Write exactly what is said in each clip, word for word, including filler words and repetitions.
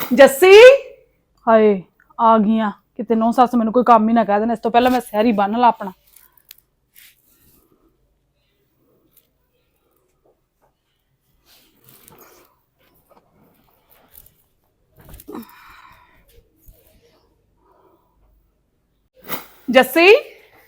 ਜੱਸੀ ਹਾਏ ਆ ਗਈਆਂ ਕਿਤੇ ਨੌ ਸੱਸ ਮੈਨੂੰ ਕੋਈ ਕੰਮ ਹੀ ਨਾ ਕਹਿ ਦੇਣ। ਇਸ ਤੋਂ ਪਹਿਲਾਂ ਮੈਂ ਸਹਿਰੀ ਬੰਨ ਲਾ ਆਪਣਾ। ਜੱਸੀ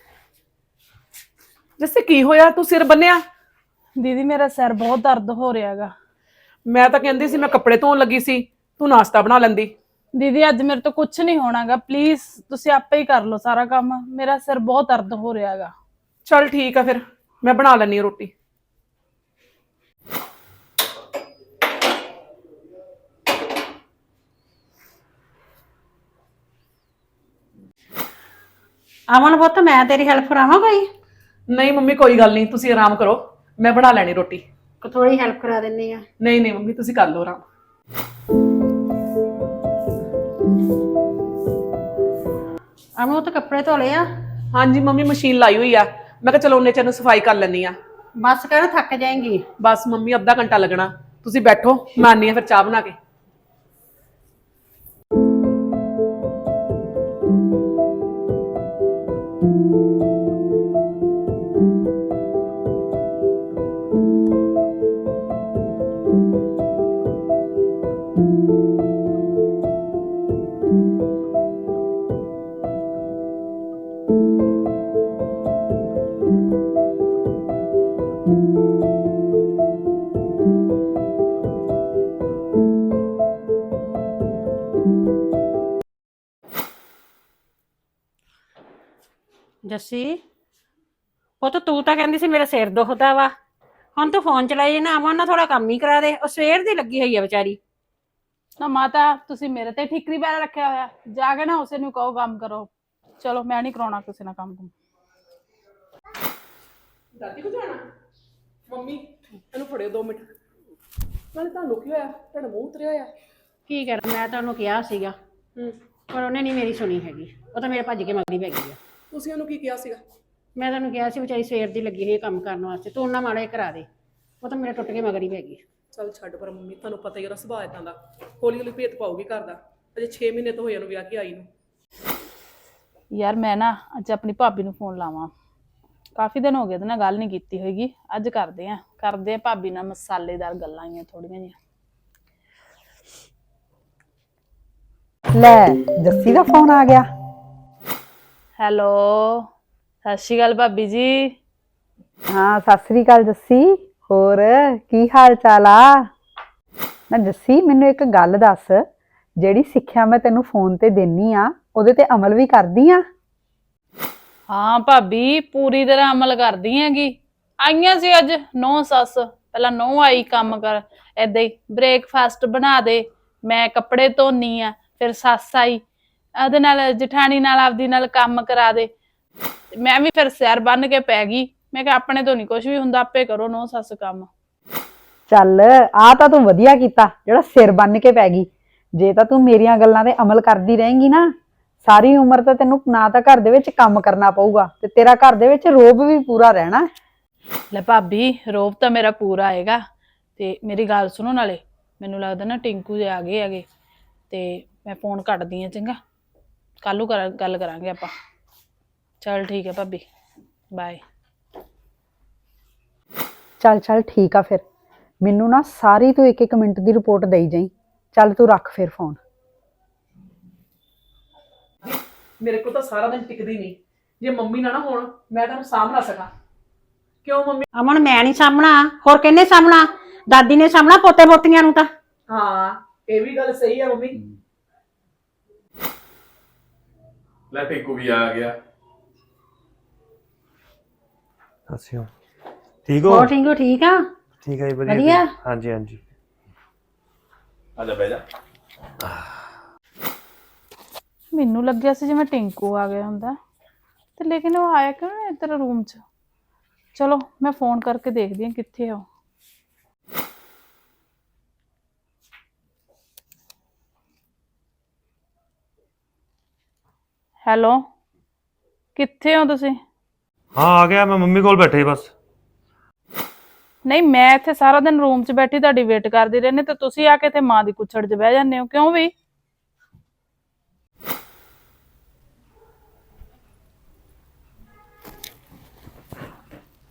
ਜੱਸੀ ਕੀ ਹੋਇਆ? ਤੂੰ ਸਿਰ ਬੰਨਿਆ? ਦੀਦੀ ਮੇਰਾ ਸਿਰ ਬਹੁਤ ਦਰਦ ਹੋ ਰਿਹਾ ਹੈਗਾ। ਮੈਂ ਤਾਂ ਕਹਿੰਦੀ ਸੀ ਮੈਂ ਕੱਪੜੇ ਧੋਣ ਲੱਗੀ ਸੀ, ਤੂੰ ਨਾਸ਼ਤਾ ਬਣਾ ਲੈਂਦੀ। ਦੀਦੀ ਅੱਜ ਮੇਰੇ ਤੋਂ ਕੁਝ ਨਹੀਂ ਹੋਣਾਗਾ, ਪਲੀਜ਼ ਤੁਸੀਂ ਆਪੇ ਹੀ ਕਰ ਲਓ ਸਾਰਾ ਕੰਮ। ਮੇਰਾ ਸਿਰ ਬਹੁਤ ਦਰਦ ਹੋ ਰਿਹਾ ਹੈਗਾ। ਚੱਲ ਠੀਕ ਆ, ਫਿਰ ਮੈਂ ਬਣਾ ਲੈਣੀ ਰੋਟੀ। ਅਮਨ ਪੁੱਤ ਮੈਂ ਤੇਰੀ ਹੈਲਪ ਕਰਾਵਾਂ ਕੋਈ? ਨਹੀਂ ਮੰਮੀ ਕੋਈ ਗੱਲ ਨਹੀਂ, ਤੁਸੀਂ ਆਰਾਮ ਕਰੋ, ਮੈਂ ਬਣਾ ਲੈਣੀ ਰੋਟੀ। ਥੋੜੀ ਹੈਲਪ ਕਰਾ ਦਿੰਨੀ ਆ। ਨਹੀਂ ਨਹੀਂ ਮੰਮੀ ਤੁਸੀਂ ਕਰ ਲਓ ਆਰਾਮ। ਅਮਨ ਉਹ ਤਾਂ ਕੱਪੜੇ ਧੋ ਲਏ ਆ? ਹਾਂਜੀ ਮੰਮੀ ਮਸ਼ੀਨ ਲਾਈ ਹੋਈ ਆ, ਮੈਂ ਕਿਹਾ ਚਲੋ ਉਹਨੇ ਚਿਰ ਨੂੰ ਸਫਾਈ ਕਰ ਲੈਣੀ ਆ। ਬਸ ਕਰ, ਥੱਕ ਜਾਏਂਗੀ। ਬਸ ਮੰਮੀ ਅੱਧਾ ਘੰਟਾ ਲੱਗਣਾ, ਤੁਸੀਂ ਬੈਠੋ, ਮੈਂ ਆਨੀ ਆ ਫਿਰ ਚਾਹ ਬਣਾ ਕੇ। ਜੱਸੀ ਪੁੱਤ ਤੂੰ ਤਾਂ ਕਹਿੰਦੀ ਸੀ ਮੇਰਾ ਸਿਰ ਦੁਖਦਾ ਵਾ, ਹੁਣ ਤੂੰ ਫੋਨ ਚਲਾਈ ਨਾ। ਅਮਨ ਨਾਲ ਥੋੜਾ ਕੰਮ ਹੀ ਕਰਾ ਦੇ, ਉਹ ਸਵੇਰ ਦੀ ਲੱਗੀ ਹੋਈ ਆ ਵਿਚਾਰੀ। ਨਾ ਮਾਤਾ ਤੁਸੀਂ ਮੇਰੇ ਤੇ ਠਿਕਰੀ ਪੈਰਾ ਰੱਖਿਆ ਹੋਇਆ, ਜਾ ਕੇ ਨਾ ਉਸੇ ਨੂੰ ਕਹੋ ਕੰਮ ਕਰੋ। ਚਲੋ ਮੈਂ ਨਹੀਂ ਕਰਾਉਣਾ ਕਿਸੇ ਨਾਲ ਕੰਮ। ਦਾਦੀ ਕੋ ਜਾਣਾ? ਮੰਮੀ ਇਹਨੂੰ ਫੜਿਓ ਦੋ ਮਿੰਟ। ਨਾਲੇ ਤੁਹਾਨੂੰ ਕੀ ਹੋਇਆ? ਤੁਹਾਡਾ ਮੂੰਹ ਉਤਰਿਆ ਹੋਇਆ। ਕੀ ਕਰ, ਮੈਂ ਤਾਂ ਉਹਨੂੰ ਕਿਹਾ ਸੀਗਾ ਹੂੰ, ਪਰ ਉਹਨੇ ਨਹੀਂ ਮੇਰੀ ਸੁਣੀ ਹੈਗੀ। ਉਹ ਤਾਂ ਮੇਰੇ ਭੱਜ ਕੇ ਮਗਰੀ ਪੈ ਗਈ ਆ। ਤੁਸੀਂ ਉਹਨੂੰ ਕੀ ਕਿਹਾ ਸੀਗਾ? ਮੈਂ ਤੈਨੂੰ ਕਿਹਾ ਸੀ ਵਿਚਾਰੀ ਸਵੇਰ ਦੀ ਲੱਗੀ ਹੋਈ ਹੈ ਕੰਮ ਕਰਨ ਵਾਸਤੇ, ਤੂੰ ਉਹਨਾਂ ਮਾੜਾ ਜਿਹਾ ਕਰਾ ਦੇ। ਉਹ ਤਾਂ ਮੇਰੇ ਟੁੱਟ ਕੇ ਮਗਰੀ ਪੈ ਗਈ। ਚੱਲ ਛੱਡ ਪਰ ਮੰਮੀ, ਤੁਹਾਨੂੰ ਪਤਾ ਹੀ ਉਹਦਾ ਸੁਭਾਅ ਇਦਾਂ ਦਾ, ਹੌਲੀ ਹੌਲੀ ਭੇਤ ਪਾਉਗੀ ਘਰ ਦਾ। ਅਜੇ ਛੇ ਮਹੀਨੇ ਤੋਂ ਹੋਏ ਉਹਨੂੰ ਵਿਆਹ ਕੇ ਆਈ ਨੂੰ। ਯਾਰ ਮੈਂ ਨਾ ਅੱਜ ਆਪਣੀ ਭਾਬੀ ਨੂੰ ਫੋਨ ਲਾਵਾਂ, ਕਾਫੀ ਦਿਨ ਹੋ ਗਏ ਉਹਦੇ ਨਾਲ ਗੱਲ ਨਹੀਂ ਕੀਤੀ ਹੋਏਗੀ। ਅੱਜ ਕਰਦੇ ਆ ਕਰਦੇ ਆ ਭਾਬੀ ਨਾਲ ਮਸਾਲੇਦਾਰ ਗੱਲਾਂ ਆਈਆਂ ਥੋੜੀਆਂ ਜਿਹੀਆਂ। ਲੈ ਜੱਸੀ ਦਾ ਫੋਨ ਆ ਗਿਆ। ਹੈਲੋ ਸਤਿ ਸ਼੍ਰੀ ਅਕਾਲ ਭਾਬੀ ਜੀ। ਹਾਂ ਸਤਿ ਸ੍ਰੀ ਅਕਾਲ ਜੱਸੀ, ਹੋਰ ਕੀ ਹਾਲ ਚਾਲ ਆ? ਨਾ ਜੱਸੀ ਮੈਨੂੰ ਇੱਕ ਗੱਲ ਦੱਸ, ਜਿਹੜੀ ਸਿੱਖਿਆ ਮੈਂ ਤੈਨੂੰ ਫੋਨ ਤੇ ਦੇਣੀ ਆ ਉਹਦੇ ਤੇ ਅਮਲ ਵੀ ਕਰਦੀ ਆ? ਹਾਂ ਭਾਬੀ ਪੂਰੀ ਤਰ੍ਹਾਂ ਅਮਲ ਕਰਦੀ ਹੈਗੀ। ਆਈਆਂ ਸੀ ਅੱਜ ਨੌ ਸੱਸ, ਪਹਿਲਾਂ ਨੌ ਆਈ ਕੰਮ ਕਰ, ਏਦਾਂ ਹੀ ਬ੍ਰੇਕਫਾਸਟ ਬਣਾ ਦੇ, ਮੈਂ ਕੱਪੜੇ ਧੋਨੀ ਆ, ਫਿਰ ਸੱਸ ਆਈ ਉਹਦੇ ਨਾਲ ਜਠਾਣੀ ਨਾਲ ਆਪਦੀ ਨਾਲ ਕੰਮ ਕਰਾ ਦੇ। ਮੈਂ ਵੀ ਫਿਰ ਸਿਰ ਬੰਨ ਕੇ ਪੈ ਗਈ, ਮੈਂ ਕਿਹਾ ਆਪਣੇ ਤੋਂ ਨਹੀਂ ਕੁਝ ਵੀ ਹੁੰਦਾ, ਆਪੇ ਕਰੋ ਨੌ ਸੱਸ ਕੰਮ। ਚੱਲ ਆ ਤਾਂ ਤੂੰ ਵਧੀਆ ਕੀਤਾ ਜਿਹੜਾ ਸਿਰ ਬੰਨ ਕੇ ਪੈ ਗਈ। ਜੇ ਤਾਂ ਤੂੰ ਮੇਰੀਆਂ ਗੱਲਾਂ ਤੇ ਅਮਲ ਕਰਦੀ ਰਹੇਂਗੀ ਨਾ, ਸਾਰੀ ਉਮਰ ਤਾਂ ਤੈਨੂੰ ਨਾ ਤਾਂ ਘਰ ਦੇ ਵਿੱਚ ਕੰਮ ਕਰਨਾ ਪਊਗਾ ਤੇ ਤੇਰਾ ਘਰ ਦੇ ਵਿੱਚ ਰੋਬ ਵੀ ਪੂਰਾ ਰਹਿਣਾ। ਲੈ ਭਾਬੀ ਰੋਬ ਤਾਂ ਮੇਰਾ ਪੂਰਾ ਆਏਗਾ। ਤੇ ਮੇਰੀ ਗੱਲ ਸੁਣੋ, ਨਾਲੇ ਮੈਨੂੰ ਲੱਗਦਾ ਨਾ ਟਿੰਕੂ ਦੇ ਆ ਗਏ ਹੈਗੇ, ਤੇ ਮੈਂ ਫੋਨ ਕੱਟਦੀ ਆ, ਚੰਗਾ ਕੱਲ ਨੂੰ ਕਰ ਗੱਲ ਕਰਾਂਗੇ ਆਪਾਂ। ਚੱਲ ਠੀਕ ਹੈ ਭਾਬੀ, ਬਾਏ। ਚੱਲ ਚੱਲ ਠੀਕ ਆ, ਫਿਰ ਮੈਨੂੰ ਨਾ ਸਾਰੀ ਤੂੰ ਇੱਕ ਇੱਕ ਮਿੰਟ ਦੀ ਰਿਪੋਰਟ ਦੇਈ ਜਾਈਂ। ਚੱਲ ਤੂੰ ਰੱਖ ਫਿਰ ਫੋਨ। ਮੇਰੇ ਕੋਲ ਤਾਂ ਸਾਰਾ ਦਿਨ ਟਿਕਦੀ ਨਹੀਂ, ਜੇ ਮੰਮੀ ਨਾ ਨਾ ਹੋਣ ਮੈਂ ਤੁਹਾਨੂੰ ਸਾਂਭ ਨਾ ਸਕਾਂ। ਕਿਉਂ ਮੰਮੀ? ਅਮਨ ਮੈਂ ਨਹੀਂ ਸਾਂਭਣਾ, ਹੋਰ ਕਿਹਨੇ ਸਾਂਭਣਾ? ਦਾਦੀ ਨੇ ਸਾਂਭਣਾ ਪੋਤੇ ਪੋਤੀਆਂ ਨੂੰ ਤਾਂ। ਹਾਂ ਇਹ ਵੀ ਗੱਲ ਸਹੀ ਹੈ ਮੰਮੀ। ਲੈ ਟਿੰਕੂ ਵੀ ਆ ਗਿਆ। ਅੱਛਾ ਠੀਕ ਹੋ? ਹੋਰ ਟਿੰਕੂ ਠੀਕ ਆ? ਠੀਕ ਹੈ ਜੀ, ਵਧੀਆ ਵਧੀਆ? ਜੀ। ਹਾਂਜੀ ਹਾਂਜੀ ਆ ਜਾ ਬਹਿ ਜਾ। ਮੈਨੂੰ ਲੱਗਿਆ ਸੀ ਜਿਵੇਂ ਟਿੰਕੂ ਆ ਗਿਆ ਹੁੰਦਾ, ਤੇ ਲੇਕਿਨ ਉਹ ਆਇਆ ਕਿਉਂ ਨਹੀਂ ਇੱਧਰ ਰੂਮ 'ਚ। ਚਲੋ ਮੈਂ ਫੋਨ ਕਰਕੇ ਦੇਖਦੀ ਹਾਂ ਕਿੱਥੇ ਆ ਉਹ। ਹੈਲੋ ਕਿੱਥੇ ਹੋ ਤੁਸੀਂ? ਹਾਂ ਆ ਗਿਆ, ਮੈਂ ਮੰਮੀ ਕੋਲ ਬੈਠੇ ਬਸ। ਨਹੀਂ ਮੈਂ ਇੱਥੇ ਸਾਰਾ ਦਿਨ ਰੂਮ 'ਚ ਬੈਠੀ ਤੁਹਾਡੀ ਵੇਟ ਕਰਦੀ ਰਹਿੰਦੀ, ਤੇ ਤੁਸੀਂ ਆ ਕੇ ਇੱਥੇ ਮਾਂ ਦੀ ਕੁੱਛੜ 'ਚ ਬਹਿ ਜਾਂਦੇ ਹੋ, ਕਿਉਂ ਵੀ?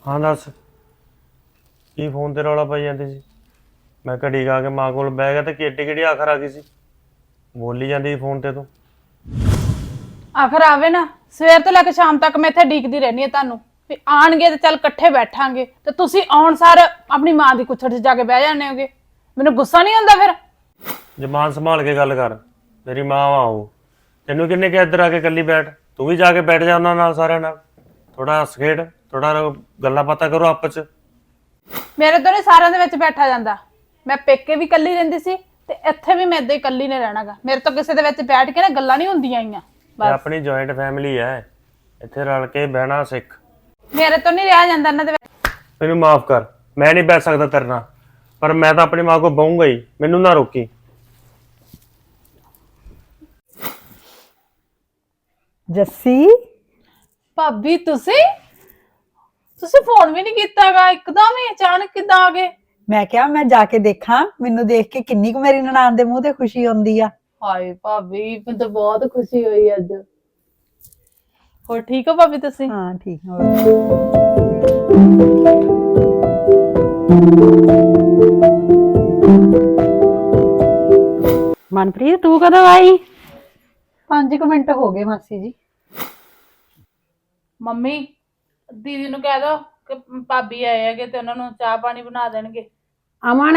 ਹਾਂ ਦੱਸ ਕੀ ਫੋਨ ਤੇ ਰੌਲਾ ਪਾਈ ਜਾਂਦੀ ਸੀ? ਮੈਂ ਘੜੀ ਗਾ ਕੇ ਮਾਂ ਕੋਲ ਬਹਿ ਗਿਆ ਤੇ ਕਿੱਡੀ ਕਿਹੜੀ ਆਖਰ ਆ ਗਈ ਸੀ? ਬੋਲੀ ਜਾਂਦੀ ਸੀ ਫੋਨ ਤੇ ਤੂੰ। ਆਖਰ ਆਵੇ ਨਾ, ਸਵੇਰ ਤੋਂ ਲੈ ਕੇ ਸ਼ਾਮ ਤੱਕ ਮੈਂ ਇੱਥੇ ਡੀਕਦੀ ਰਹਿਣੀ ਹੈ ਤੁਹਾਨੂੰ ਵੀ ਆਣਗੇ ਤੇ ਚੱਲ ਇਕੱਠੇ ਬੈਠਾਂਗੇ, ਤੇ ਤੁਸੀਂ ਆਉਣ ਸਾਰ ਆਪਣੀ ਮਾਂ ਦੀ ਕੁੱਛੜ 'ਚ ਜਾ ਕੇ ਬਹਿ ਜਾਂਦੇ ਹੋਗੇ। ਮੈਨੂੰ ਗੁੱਸਾ ਨਹੀਂ ਆਉਂਦਾ ਫਿਰ? ਜ਼ਬਾਨ ਸੰਭਾਲ ਕੇ ਗੱਲ ਕਰ, ਮੇਰੀ ਮਾਂ ਵਾ ਉਹ। ਤੈਨੂੰ ਕਿੰਨੇ ਕਿ ਇੱਧਰ ਆ ਕੇ ਇਕੱਲੀ ਬੈਠ, ਤੂੰ ਵੀ ਜਾ ਕੇ ਬੈਠ ਜਾ ਉਹਨਾਂ ਨਾਲ, ਸਾਰਿਆਂ ਨਾਲ ਥੋੜਾ ਹੱਸ ਖੇਡ, ਥੋੜਾ ਗੱਲਾਂ ਬਾਤਾਂ ਕਰੋ ਆਪਸ ਚ। ਮੇਰੇ ਤੋਂ ਨਹੀਂ ਸਾਰਿਆਂ ਦੇ ਵਿੱਚ ਬੈਠਾ ਜਾਂਦਾ। ਮੈਂ ਪੇਕੇ ਵੀ ਇਕੱਲੀ ਰਹਿੰਦੀ ਸੀ ਤੇ ਇੱਥੇ ਵੀ ਮੈਂ ਏਦਾਂ ਹੀ ਇਕੱਲੀ ਨੇ ਰਹਿਣਾਗਾ। ਮੇਰੇ ਤੋਂ ਕਿਸੇ ਦੇ ਵਿੱਚ ਬੈਠ ਕੇ ਨਾ ਗੱਲਾਂ ਨਹੀਂ ਹੁੰਦੀਆਂ ਆਈਆਂ। ਇਹ ਆਪਣੀ ਜੁਆਇੰਟ ਫੈਮਿਲੀ ਹੈ, ਇੱਥੇ ਰਲ ਕੇ ਬਹਿਣਾ ਸਿੱਖ। ਮੇਰੇ ਤੋਂ ਨਹੀਂ ਰਿਹਾ ਜਾਂਦਾ ਇਹਨਾਂ ਦੇ ਵਿੱਚ। ਮੈਨੂੰ ਮਾਫ ਕਰ, ਮੈਂ ਨਹੀਂ ਬੈਠ ਸਕਦਾ ਤੇਰੇ ਨਾਲ, ਪਰ ਮੈਂ ਤਾਂ ਆਪਣੀ ਮਾਂ ਕੋਲ ਬਹੂੰਗਾ ਹੀ, ਮੈਨੂੰ ਨਾ ਰੋਕੀ। ਜੱਸੀ ਭਾਬੀ ਤੁਸੀਂ ਤੁਸੀਂ ਫੋਨ ਵੀ ਨਹੀਂ ਕੀਤਾਗਾ, ਇੱਕਦਮ ਹੀ ਅਚਾਨਕ ਕਿੱਦਾਂ ਆ ਗਏ? ਮੈਂ ਕਿਹਾ ਮੈਂ ਜਾ ਕੇ ਦੇਖਾਂ, ਮੈਨੂੰ ਦੇਖ ਕੇ ਕਿੰਨੀ ਕੁ ਮੇਰੀ ਨਨਾਣ ਦੇ ਮੂੰਹ ਤੇ ਖੁਸ਼ੀ ਹੁੰਦੀ ਆ। ਹਾਏ ਭਾਬੀ, ਮੈਨੂੰ ਤਾਂ ਬਹੁਤ ਖੁਸ਼ੀ ਹੋਈ ਅੱਜ। ਹੋਰ ਠੀਕ ਹੋ ਭਾਬੀ ਤੁਸੀਂ? ਹਾਂ ਠੀਕ ਹੋ। ਮਨਪ੍ਰੀਤ ਤੂੰ ਕਦੋਂ ਆਈ? ਪੰਜ ਕੁ ਮਿੰਟ ਹੋ ਗਏ ਮਾਸੀ ਜੀ। ਮੰਮੀ ਦੀਦੀ ਨੂੰ ਕਹਿ ਦੋ ਕਿ ਭਾਬੀ ਆਏ ਹੈਗੇ ਤੇ ਉਹਨਾਂ ਨੂੰ ਚਾਹ ਪਾਣੀ ਬਣਾ ਦੇਣਗੇ। ਅਮਨ,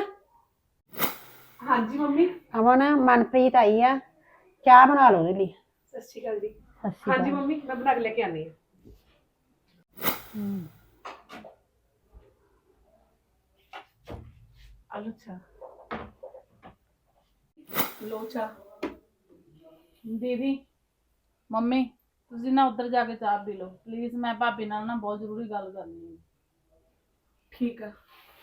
ਹਾਂਜੀ ਮੰਮੀ। ਅਮਨ ਮਨਪ੍ਰੀਤ ਆਈ ਆ, ਚਾਹ ਬਣਾ ਲਓ ਉਹਦੇ ਲਈ। ਸਤਿ ਸ਼੍ਰੀ ਅਕਾਲ ਜੀ। ਸਤਿ ਸ਼੍ਰੀ ਹਾਂਜੀ ਅਕਾਲ। ਮੰਮੀ, ਮੈਂ ਬਣਾ ਕੇ ਲੈ ਕੇ ਆਨੀ ਹਾਂ। ਆਲੂ ਚਾਹ ਲੋ ਚਾਹ। ਦੀਦੀ ਮੰਮੀ ਤੁਸੀਂ ਨਾ ਉੱਧਰ ਜਾ ਕੇ ਚਾਹ ਪੀ ਲਓ ਪਲੀਜ਼, ਮੈਂ ਭਾਬੀ ਨਾਲ ਨਾ ਬਹੁਤ ਜ਼ਰੂਰੀ ਗੱਲ ਕਰਨੀ ਹੈ। ਠੀਕ ਆ।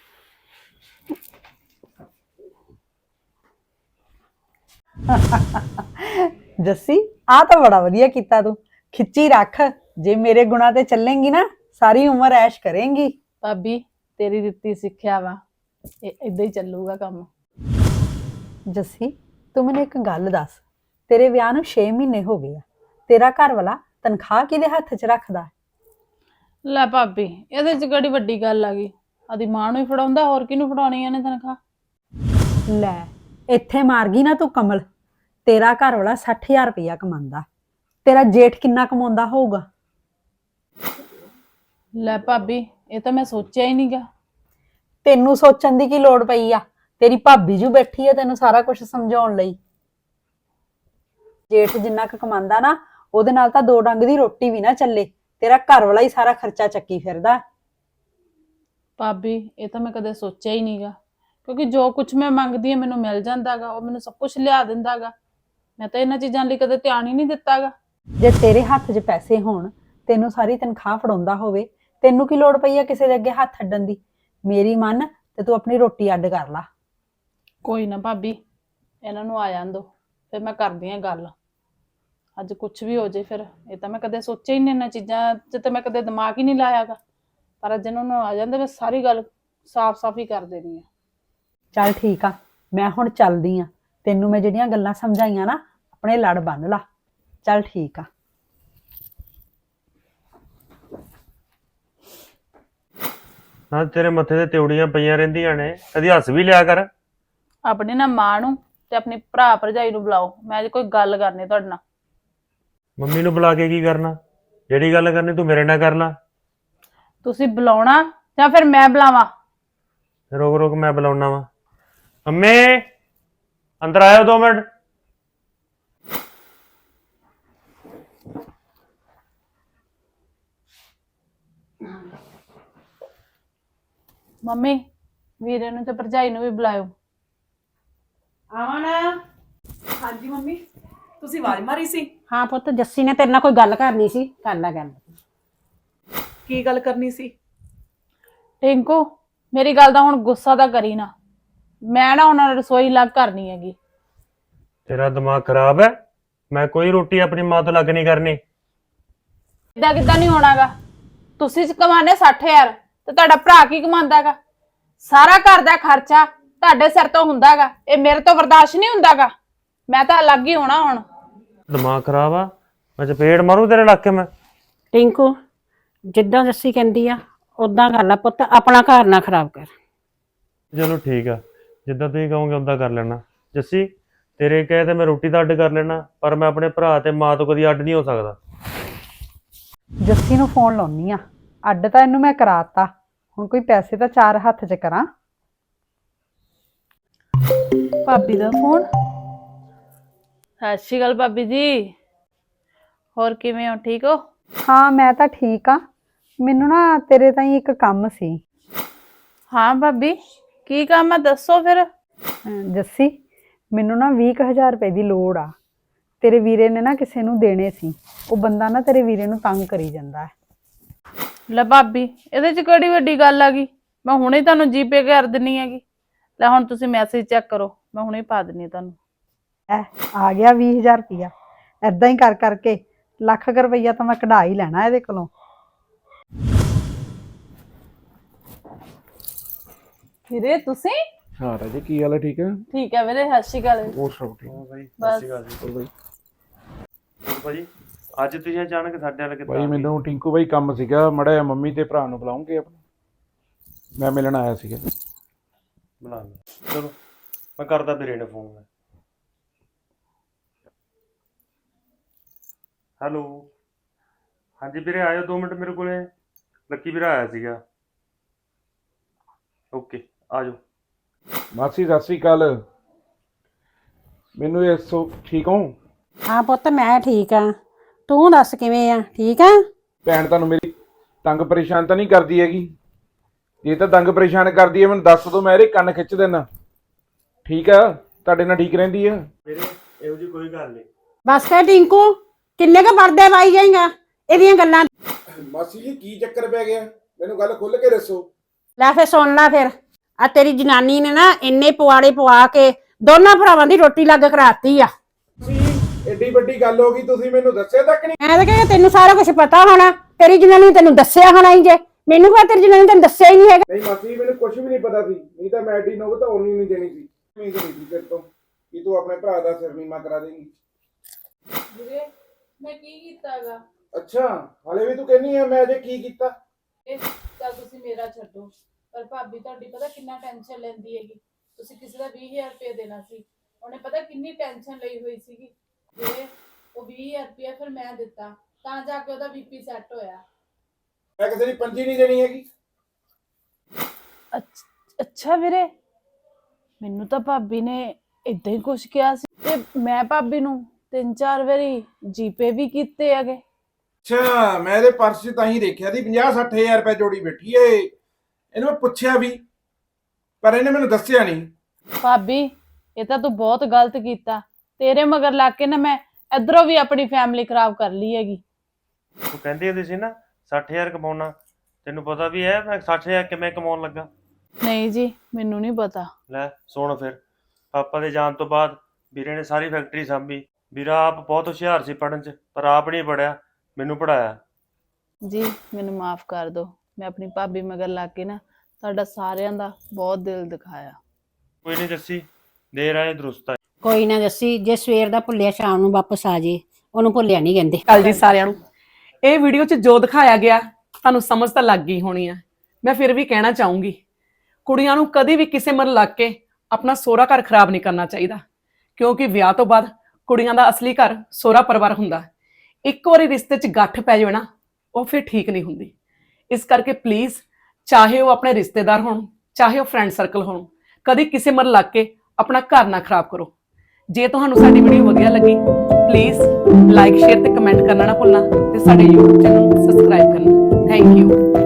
ਜੱਸੀ ਆ ਤਾਂ ਬੜਾ ਵਧੀਆ ਕੀਤਾ ਤੂੰ, ਖਿੱਚੀ ਰੱਖ। ਜੇ ਮੇਰੇ ਗੁਣਾ ਤੇ ਚੱਲੇਂਗੀ ਨਾ ਸਾਰੀ ਉਮਰ ਐਸ਼ ਕਰੇਂਗੀ। ਭਾਬੀ ਤੇਰੀ ਦਿੱਤੀ ਸਿੱਖਿਆ ਵਾ, ਇਹ ਇਦਾਂ ਹੀ ਚੱਲੂਗਾ ਕੰਮ। ਜੱਸੀ ਤੂੰ ਮੈਨੂੰ ਇੱਕ ਗੱਲ ਦੱਸ, ਤੇਰੇ ਵਿਆਹ ਨੂੰ ਛੇ ਮਹੀਨੇ ਹੋ ਗਏ ਆ, ਤੇਰਾ ਘਰ ਵਾਲਾ ਤਨਖਾਹ ਕਿਹਦੇ ਹੱਥ 'ਚ ਰੱਖਦਾ? ਲੈ ਭਾਬੀ ਇਹਦੇ ਚ ਕਿਹੜੀ ਵੱਡੀ ਗੱਲ ਆ ਗਈ, ਆਦੀ ਮਾਂ ਨੂੰ ਹੀ ਫੜਾਉਂਦਾ, ਹੋਰ ਕਿਹਨੂੰ ਫੜਾਉਣੀ ਇਹਨੇ ਤਨਖਾਹ? ਲੈ ਇੱਥੇ ਮਾਰ ਗਈ ਨਾ ਤੂੰ ਕਮਲ। ਤੇਰਾ ਘਰ ਵਾਲਾ ਸੱਠ ਹਜ਼ਾਰ ਰੁਪਇਆ ਕਮਾਉਂਦਾ, ਤੇਰਾ ਜੇਠ ਕਿੰਨਾ ਕਮਾਉਂਦਾ ਹੋਊਗਾ? ਲੈ ਭਾਬੀ ਇਹ ਤਾਂ ਮੈਂ ਸੋਚਿਆ ਹੀ ਨਹੀਂਗਾ। ਤੈਨੂੰ ਸੋਚਣ ਦੀ ਕੀ ਲੋੜ ਪਈ ਆ? ਤੇਰੀ ਭਾਬੀ ਜੂ ਬੈਠੀ ਆ ਤੈਨੂੰ ਸਾਰਾ ਕੁਝ ਸਮਝਾਉਣ ਲਈ। ਜੇਠ ਜਿੰਨਾ ਕੁ ਕਮਾਉਂਦਾ ਨਾ, ਉਹਦੇ ਨਾਲ ਤਾਂ ਦੋ ਡੰਗ ਦੀ ਰੋਟੀ ਵੀ ਨਾ ਚੱਲੇ। ਤੇਰਾ ਘਰ ਵਾਲਾ ਹੀ ਸਾਰਾ ਖਰਚਾ ਚੱਕੀ ਫਿਰਦਾ। ਭਾਬੀ ਇਹ ਤਾਂ ਮੈਂ ਕਦੇ ਸੋਚਿਆ ਹੀ ਨਹੀਂਗਾ, ਕਿਉਂਕਿ ਜੋ ਕੁਝ ਮੈਂ ਮੰਗਦੀ ਹਾਂ ਮੈਨੂੰ ਮਿਲ ਜਾਂਦਾਗਾ, ਉਹ ਮੈਨੂੰ ਸਭ ਕੁਝ ਲਿਆ ਦਿੰਦਾਗਾ। ਮੈਂ ਤਾਂ ਇਹਨਾਂ ਚੀਜ਼ਾਂ ਲਈ ਕਦੇ ਧਿਆਨ ਹੀ ਨਹੀਂ ਦਿੱਤਾਗਾ। ਜੇ ਤੇਰੇ ਹੱਥ 'ਚ ਪੈਸੇ ਹੋਣ, ਤੈਨੂੰ ਸਾਰੀ ਤਨਖਾਹ ਫੜਾਉਂਦਾ ਹੋਵੇ, ਤੈਨੂੰ ਕੀ ਲੋੜ ਪਈ ਆ ਕਿਸੇ ਦੇ ਅੱਗੇ ਹੱਥ ਅੱਡਣ ਦੀ? ਮੇਰੀ ਮੰਨ ਤੇ ਤੂੰ ਆਪਣੀ ਰੋਟੀ ਅੱਡ ਕਰ ਲਾ। ਕੋਈ ਨਾ ਭਾਬੀ, ਇਹਨਾਂ ਨੂੰ ਆ ਜਾਣ ਦੋ, ਫਿਰ ਮੈਂ ਕਰਦੀ ਹਾਂ ਗੱਲ। ਅੱਜ ਕੁਝ ਵੀ ਹੋ ਜੇ ਫਿਰ, ਇਹ ਤਾਂ ਮੈਂ ਕਦੇ ਸੋਚਿਆ ਹੀ ਨਹੀਂ, ਇਹਨਾਂ ਚੀਜ਼ਾਂ 'ਚ ਤਾਂ ਮੈਂ ਕਦੇ ਦਿਮਾਗ ਹੀ ਨਹੀਂ ਲਾਇਆਗਾ। ਪਰ ਅੱਜ ਇਹਨਾਂ ਨੂੰ ਆ ਜਾਂਦੇ ਮੈਂ ਸਾਰੀ ਗੱਲ ਸਾਫ਼-ਸਾਫ਼ ਹੀ ਕਰ ਦੇਣੀ ਆ। ਚੱਲ ਠੀਕ ਆ, ਮੈਂ ਹੁਣ ਚੱਲਦੀ ਆ। ਤੈਨੂੰ ਮੈਂ ਜਿਹੜੀਆਂ ਗੱਲਾਂ ਸਮਝਾਈਆਂ ਨਾ, ਆਪਣੇ ਲੜ ਬੰਨ ਲਾ। ਚੱਲ ਠੀਕ ਆ। ਹਾਂ ਤੇਰੇ ਮੱਥੇ ਤੇ ਤਿਉੜੀਆਂ ਪਈਆਂ ਰਹਿੰਦੀਆਂ ਨੇ, ਕਦੀ ਹੱਸ ਵੀ ਲਿਆ ਕਰ। ਆਪਣੀ ਨਾ ਮਾਂ ਨੂੰ ਤੇ ਆਪਣੀ ਭਰਾ ਭਰਜਾਈ ਨੂੰ ਬੁਲਾਓ, ਮੈਂ ਅੱਜ ਕੋਈ ਗੱਲ ਕਰਨੀ ਤੁਹਾਡੇ ਨਾਲ। ਮੰਮੀ ਨੂੰ ਬੁਲਾ ਕੇ ਕੀ ਕਰਨਾ? ਜਿਹੜੀ ਗੱਲ ਕਰਨੀ ਤੂੰ ਮੇਰੇ ਨਾਲ ਕਰ ਲਾ। ਤੁਸੀਂ ਬੁਲਾਉਣਾ ਜਾਂ ਫਿਰ ਮੈਂ ਬੁਲਾਵਾਂ? ਰੋਕ ਰੋਕ ਮੈਂ ਬੁਲਾਉਣਾ ਵਾ। ਮੰਮੀ ਅੰਦਰ ਆਇਓ ਦੋ ਮਿੰਟ। ਮੰਮੀ ਵੀਰੇ ਨੂੰ ਤੇ ਭਰਜਾਈ ਨੂੰ ਵੀ ਬੁਲਾਇਓ। ਅਮਨ, ਹਾਂਜੀ ਮੰਮੀ, ਤੁਸੀਂ ਆਵਾਜ਼ ਮਾਰੀ ਸੀ? ਹਾਂ ਪੁੱਤ, ਜੱਸੀ ਨੇ ਤੇਰੇ ਨਾਲ ਕੋਈ ਗੱਲ ਕਰਨੀ ਸੀ, ਕਰ ਲੈ ਗੱਲ। ਕੀ ਗੱਲ ਕਰਨੀ ਸੀ? ਟਿੰਕੂ ਮੇਰੀ ਗੱਲ ਦਾ ਹੁਣ ਗੁੱਸਾ ਤਾਂ ਕਰੀ ਨਾ, ਮੈਂ ਨਾ ਉਹਨਾਂ ਨੂੰ ਰਸੋਈ ਲੱਗ ਕਰਨੀ ਹੈਗੀ। ਤੇਰਾ ਦਿਮਾਗ ਖਰਾਬ ਹੈ? ਮੈਂ ਕੋਈ ਰੋਟੀ ਆਪਣੀ ਮਾਂ ਤੋਂ ਲੱਗ ਨਹੀਂ ਕਰਨੀ। ਇਦਾਂ ਕਿੱਦਾਂ ਨਹੀਂ ਹੋਣਾਗਾ? ਤੁਸੀਂ ਕਮਾਨੇ ਸੱਠ ਹਜ਼ਾਰ ਤੇ ਤੁਹਾਡਾ ਭਰਾ ਕੀ ਕਮਾਉਂਦਾਗਾ? ਸਾਰਾ ਘਰ ਦਾ ਖਰਚਾ ਤੁਹਾਡੇ ਸਿਰ ਤੋਂ ਹੁੰਦਾਗਾ, ਇਹ ਮੇਰੇ ਤੋਂ ਬਰਦਾਸ਼ਤ ਨਹੀਂ ਹੁੰਦਾਗਾ। ਮੈਂ ਤਾਂ ਅਲੱਗ ਹੀ ਹੋਣਾ ਹੁਣ। ਦਿਮਾਗ ਖਰਾਬ ਆ? ਮੈਂ ਚਪੇੜ ਮਾਰੂ ਤੇਰੇ ਲੱਕ ਕੇ। ਮੈਂ ਟਿੰਕੂ ਜਿੱਦਾਂ ਜੱਸੀ ਕਹਿੰਦੀ ਆ ਉਦਾਂ ਕਰ ਲੈ ਪੁੱਤ, ਆਪਣਾ ਘਰ ਨਾ ਖਰਾਬ ਕਰ। ਚਲੋ ਠੀਕ ਆ, ਜਿੱਦਾਂ ਤੁਸੀਂ ਕਹੋਗੇ ਉਦਾਂ ਕਰ ਲੈਣਾ। ਜੱਸੀ ਤੇਰੇ ਕਹੇ ਤੇ ਮੈਂ ਰੋਟੀ ਦਾ ਅੱਡ ਕਰ ਲੈਣਾ, ਪਰ ਮੈਂ ਆਪਣੇ ਭਰਾ ਤੇ ਮਾਂ ਤੋਂ ਕਦੀ ਅੱਡ ਨਹੀਂ ਹੋ ਸਕਦਾ। ਜੱਸੀ ਨੂੰ ਫੋਨ ਲਾਉਣੀ ਆ, ਅੱਡ ਤਾਂ ਇਹਨੂੰ ਮੈਂ ਕਰਾਤਾ, ਹੁਣ ਕੋਈ ਪੈਸੇ ਤਾਂ ਚਾਰ ਹੱਥ 'ਚ ਕਰਾਂ। ਭਾਬੀ ਦਾ ਫੋਨ। ਸਤਿ ਸ਼੍ਰੀ ਅਕਾਲ ਭਾਬੀ ਜੀ, ਹੋਰ ਕਿਵੇਂ ਹੋ? ਠੀਕ ਹੋ? ਹਾਂ ਮੈਂ ਤਾਂ ਠੀਕ ਆ, ਮੈਨੂੰ ਨਾ ਤੇਰੇ ਤਾਈਂ ਇੱਕ ਕੰਮ ਸੀ। ਹਾਂ ਭਾਬੀ, ਕੀ ਕੰਮ ਆ ਦੱਸੋ ਫਿਰ। ਅਮ ਜੱਸੀ ਮੈਨੂੰ ਨਾ ਵੀਹ ਕੁ ਹਜ਼ਾਰ ਰੁਪਏ ਦੀ ਲੋੜ ਆ, ਤੇਰੇ ਵੀਰੇ ਨੇ ਨਾ ਕਿਸੇ ਨੂੰ ਦੇਣੇ ਸੀ, ਉਹ ਬੰਦਾ ਨਾ ਤੇਰੇ ਵੀਰੇ ਨੂੰ ਤੰਗ ਕਰੀ ਜਾਂਦਾ ਹੈ। ਲੈ ਭਾਬੀ, ਇਹਦੇ ਚ ਕਿਹੜੀ ਵੱਡੀ ਗੱਲ ਆ ਗਈ, ਮੈਂ ਹੁਣੇ ਤੁਹਾਨੂੰ ਜੀਪੇ ਕਰ ਦਿੰਨੀ ਹੈਗੀ। ਲੈ ਹੁਣ ਤੁਸੀਂ ਮੈਸੇਜ ਚੈੱਕ ਕਰੋ, ਮੈਂ ਹੁਣੇ ਪਾ ਦਿੰਨੀ ਤੁਹਾਨੂੰ। ਐ ਆ ਗਿਆ ਵੀਹ ਹਜ਼ਾਰ ਰੁਪਇਆ, ਏਦਾਂ ਹੀ ਕਰ ਕਰਕੇ ਲੱਖ ਕੁ ਰੁਪਈਆ ਤਾਂ ਮੈਂ ਕਢਾ ਹੀ ਲੈਣਾ ਇਹਦੇ ਕੋਲੋਂ। ਵੀਰੇ ਤੁਸੀਂ? ਹਾਂ ਰਾਜੇ, ਕੀ ਹਾਲ ਹੈ? ਠੀਕ ਹੈ? ਠੀਕ ਹੈ ਵੀਰੇ, ਸਤਿ ਸ਼੍ਰੀ ਅਕਾਲ। ਹੋਰ ਸਭ ਠੀਕ? ਹਾਂ ਬਾਈ, ਬਸ। ਸਤਿ ਸ਼੍ਰੀ ਅਕਾਲ ਜੀ। ਬਾਈ ਹੋਰ ਭਾਜੀ, ਅੱਜ ਤੁਸੀਂ ਅਚਾਨਕ ਸਾਡੇ ਨਾਲ ਕਿੱਦਾਂ ਬਾਈ ਆ ਗਏ? ਮੈਨੂੰ ਟਿੰਕੂ ਬਾਈ ਕੰਮ ਸੀਗਾ, ਮੜਾ ਜਿਹਾ ਮੰਮੀ ਤੇ ਭਰਾ ਨੂੰ ਬੁਲਾਉਂਗੇ ਆਪਣਾ, ਮੈਂ ਮਿਲਣ ਆਇਆ ਸੀਗਾ। ਬੁਲਾ ਲਿਆ, ਚਲੋ ਮੈਂ ਕਰਦਾ ਵੀਰੇ ਨੇ ਫੋਨ। ਹੈਲੋ, ਹਾਂਜੀ ਵੀਰੇ ਆਇਓ ਦੋ ਮਿੰਟ ਮੇਰੇ ਕੋਲੇ, ਲੱਕੀ ਵੀਰਾ ਆਇਆ ਸੀਗਾ। ਓਕੇ ਆ ਜਾਓ। ਮਾਸੀ ਸਤਿ ਸ੍ਰੀ ਅਕਾਲ, ਮੈਨੂੰ ਇਹ ਸੋ ਠੀਕ ਹੋ? ਹਾਂ ਪੁੱਤ ਮੈਂ ਠੀਕ ਆ, ਤੂੰ ਦੱਸ ਕਿਵੇਂ ਆ? ਠੀਕ ਆ? ਭੈਣ ਤੁਹਾਨੂੰ ਮੇਰੀ ਤੰਗ ਪਰੇਸ਼ਾਨ ਤਾਂ ਨਹੀਂ ਕਰਦੀ ਹੈਗੀ? ਜੇ ਤਾਂ ਤੰਗ ਪਰੇਸ਼ਾਨ ਕਰਦੀ ਹੈ ਮੈਨੂੰ ਦੱਸ ਦਿਓ, ਮੈਂ ਇਹਦੇ ਕੰਨ ਖਿੱਚ ਦੇਣਾ। ਠੀਕ ਆ, ਤੁਹਾਡੇ ਨਾਲ ਠੀਕ ਰਹਿੰਦੀ ਆ? ਵੀਰੇ ਇਹੋ ਜਿਹੀ ਕੋਈ ਗੱਲ ਨਹੀਂ। ਬਸ ਕਰ ਟਿੰਕੂ, ਕਿੰਨੇ ਕ ਪਰਦੇ ਪਾਈ ਜਾਏਗਾ ਇਹਦੀਆਂ ਗੱਲਾਂ। ਮਾਸੀ ਜੀ ਕੀ ਚੱਕਰ ਪੈ ਗਿਆ, ਮੈਨੂੰ ਗੱਲ ਖੁੱਲ ਕੇ ਦੱਸੋ। ਲੈ ਫੇ ਸੁਣ ਲੈ, ਫਿਰ ਆ ਤੇਰੀ ਜਨਾਨੀ ਨੇ ਨਾ ਇੰਨੇ ਪਵਾੜੇ ਪਵਾ ਕੇ ਦੋਨਾਂ ਭਰਾਵਾਂ ਦੀ ਰੋਟੀ ਲੱਗ ਕਰਾਤੀ ਆ। ਏਡੀ ਵੱਡੀ ਗੱਲ ਹੋ ਗਈ, ਤੁਸੀਂ ਮੈਨੂੰ ਦੱਸਿਆ ਤੱਕ ਨਹੀਂ? ਮੈਂ ਤਾਂ ਕਹਿੰਦਾ ਤੈਨੂੰ ਸਾਰਾ ਕੁਝ ਪਤਾ ਹੋਣਾ, ਤੇਰੀ ਜਨਾਨੀ ਨੇ ਤੈਨੂੰ ਦੱਸਿਆ ਹੋਣਾ ਹੀ। ਜੇ ਮੈਨੂੰ ਕਹਾਂ ਤੇਰੀ ਜਨਾਨੀ ਤੈਨੂੰ ਦੱਸਿਆ ਹੀ ਨਹੀਂ ਹੈਗਾ। ਨਹੀਂ ਮਾਸੀ ਮੈਨੂੰ ਕੁਝ ਵੀ ਨਹੀਂ ਪਤਾ ਸੀ, ਨਹੀਂ ਤਾਂ ਮੈਂ ਐਡੀ ਨੋਬਤ ਹੋਣੀ ਨਹੀਂ ਦੇਣੀ ਸੀ। ਉਮੀਦ ਨਹੀਂ ਸੀ ਤੇਰੇ ਤੋਂ ਕਿ ਤੂੰ ਆਪਣੇ ਭਰਾ ਦਾ ਸਿਰ ਨੀਵਾਂ ਕਰਾ ਦੇਂਗੀ। ਵੀਰੇ ਮੈਂ ਕੀ ਕੀਤਾਗਾ? ਅੱਛਾ, ਹਾਲੇ ਵੀ ਤੂੰ ਕਹਿੰਨੀ ਆ ਮੈਂ ਅਜੇ ਕੀ ਕੀਤਾ? ਇਹ ਤਾਂ ਤੁਸੀਂ ਮੇਰਾ ਛੱਡੋ, ਪਰ ਭਾਬੀ ਤੁਹਾਡੀ ਪਤਾ ਕਿੰਨਾ ਟੈਨਸ਼ਨ ਲੈਂਦੀ ਹੈਗੀ। ਤੁਸੀਂ ਕਿਸੇ ਦਾ ਵੀਹ ਹਜ਼ਾਰ ਰੁਪਏ ਦੇਣਾ ਸੀ, ਉਹਨੇ ਪਤਾ ਕਿੰਨੀ ਟੈਨਸ਼ਨ ਲਈ ਹੋਈ ਸੀਗੀ। ਵੀਰੇ ਉਹ ਵੀਹ ਹਜ਼ਾਰ ਰੁਪਏ ਫਿਰ ਮੈਂ ਦਿੱਤਾ, ਤਾਂ ਜਾ ਕੇ ਉਹਦਾ ਬੀਪੀ ਸੈੱਟ ਹੋਇਆ। ਮੈਂ ਕਿਸੇ ਦੀ ਪੰਜੀ ਨਹੀਂ ਦੇਣੀ ਹੈਗੀ। ਅੱਛਾ ਵੀਰੇ, ਮੈਨੂੰ ਤਾਂ ਭਾਬੀ ਨੇ ਇਦਾਂ ਹੀ ਕੁਝ ਕਿਹਾ ਸੀ, ਤੇ ਮੈਂ ਭਾਬੀ ਨੂੰ ਤਿੰਨ ਚਾਰ ਵਾਰੀ ਜੀਪੇ ਵੀ ਕੀਤੇ ਹੈਗੇ। ਅੱਛਾ, ਮੈਂ ਇਹਦੇ ਪਰਸ 'ਚ ਤਾਂ ਹੀ ਦੇਖਿਆ ਸੀ ਪੰਜਾਹ ਸੱਠ ਹਜ਼ਾਰ ਰੁਪਏ ਜੋੜੀ ਬੈਠੀ ਏ। ਇਹਨੂੰ ਮੈਂ ਪੁੱਛਿਆ ਵੀ, ਪਰ ਇਹਨੇ ਮੈਨੂੰ ਦੱਸਿਆ ਨਹੀਂ। ਭਾਬੀ ਇਹ ਤਾਂ ਤੂੰ ਬਹੁਤ ਗਲਤ ਕੀਤਾ, ਤੇਰੇ ਮਗਰ ਲੱਗ ਕੇ ਨਾ ਮੈਂ ਇਧਰੋਂ ਵੀ ਆਪਣੀ ਫੈਮਿਲੀ ਖਰਾਬ ਕਰ ਲਈ ਹੈਗੀ। ਤੂੰ ਕਹਿੰਦੀ ਹੁੰਦੀ ਸੀ ਨਾ ਸੱਠ ਹਜ਼ਾਰ ਕਮਾਉਣਾ, ਤੈਨੂੰ ਪਤਾ ਵੀ ਹੈ ਮੈਂ ਸੱਠ ਹਜ਼ਾਰ ਕਿਵੇਂ ਕਮਾਉਣ ਲੱਗਾ? ਨਹੀਂ ਜੀ, ਮੈਨੂੰ ਨਹੀਂ ਪਤਾ। ਲੈ ਸੁਣ ਫਿਰ, ਪਾਪਾ ਦੇ ਜਾਣ ਤੋਂ ਬਾਅਦ ਵੀਰੇ ਨੇ ਸਾਰੀ ਫੈਕਟਰੀ ਸਾਂਭੀ। ਵੀਰਾ ਆਪ ਬਹੁਤ ਹੁਸ਼ਿਆਰ ਸੀ ਪੜ੍ਹਨ 'ਚ, ਪਰ ਆਪ ਨਹੀਂ ਪੜ੍ਹਿਆ, ਮੈਨੂੰ ਪੜ੍ਹਾਇਆ। ਜੀ ਮੈਨੂੰ ਮਾਫ ਕਰ ਦਿਓ, ਮੈਂ ਆਪਣੀ ਭਾਬੀ ਮਗਰ ਲੱਗ ਕੇ ਨਾ ਤੁਹਾਡਾ ਸਾਰਿਆਂ ਦਾ ਬਹੁਤ ਦਿਲ ਦਿਖਾਇਆ। ਕੋਈ ਨਹੀਂ ਜੱਸੀ, ਦੇਰ ਆਏ ਦਰੁਸਤ ਆਏ। ਕੋਈ ਨਾ ਜੱਸੀ, ਜੇ ਸਵੇਰ ਦਾ ਭੁੱਲਿਆ ਸ਼ਾਮ ਨੂੰ ਵਾਪਸ ਆ ਜੇ, ਉਹਨੂੰ ਭੁੱਲਿਆ ਨਹੀਂ ਕਹਿੰਦੇ। ਕੱਲ ਜੀ ਸਾਰਿਆਂ ਨੂੰ, ਇਹ ਵੀਡੀਓ 'ਚ ਜੋ ਦਿਖਾਇਆ ਗਿਆ ਤੁਹਾਨੂੰ ਸਮਝ ਤਾਂ ਲੱਗ ਗਈ ਹੋਣੀ ਆ। ਮੈਂ ਫਿਰ ਵੀ ਕਹਿਣਾ ਚਾਹੂੰਗੀ, ਕੁੜੀਆਂ ਨੂੰ ਕਦੀ ਵੀ ਕਿਸੇ ਮਨ ਲੱਗ ਕੇ ਆਪਣਾ ਸਹੁਰਾ ਘਰ ਖਰਾਬ ਨਹੀਂ ਕਰਨਾ ਚਾਹੀਦਾ, ਕਿਉਂਕਿ ਵਿਆਹ ਤੋਂ ਬਾਅਦ ਕੁੜੀਆਂ ਦਾ ਅਸਲੀ ਘਰ ਸਹੁਰਾ ਪਰਿਵਾਰ ਹੁੰਦਾ। ਇੱਕ ਵਾਰੀ ਰਿਸ਼ਤੇ 'ਚ ਗੱਠ ਪੈ ਜਾਵੇ ਨਾ, ਉਹ ਫਿਰ ਠੀਕ ਨਹੀਂ ਹੁੰਦੀ। ਇਸ ਕਰਕੇ ਪਲੀਜ਼, ਚਾਹੇ ਉਹ ਆਪਣੇ ਰਿਸ਼ਤੇਦਾਰ ਹੋਣ, ਚਾਹੇ ਉਹ ਫਰੈਂਡ ਸਰਕਲ ਹੋਣ, ਕਦੀ ਕਿਸੇ ਮਨ ਲੱਗ ਕੇ ਆਪਣਾ ਘਰ ਨਾ ਖਰਾਬ ਕਰੋ। ਜੇ ਤੁਹਾਨੂੰ ਸਾਡੀ ਵੀਡੀਓ ਵਧੀਆ ਲੱਗੀ, ਪਲੀਜ਼ ਲਾਈਕ ਸ਼ੇਅਰ ਤੇ ਕਮੈਂਟ ਕਰਨਾ ਨਾ ਭੁੱਲਣਾ, ਤੇ ਸਾਡੇ YouTube ਚੈਨਲ ਨੂੰ ਸਬਸਕ੍ਰਾਈਬ ਕਰਨਾ। Thank you.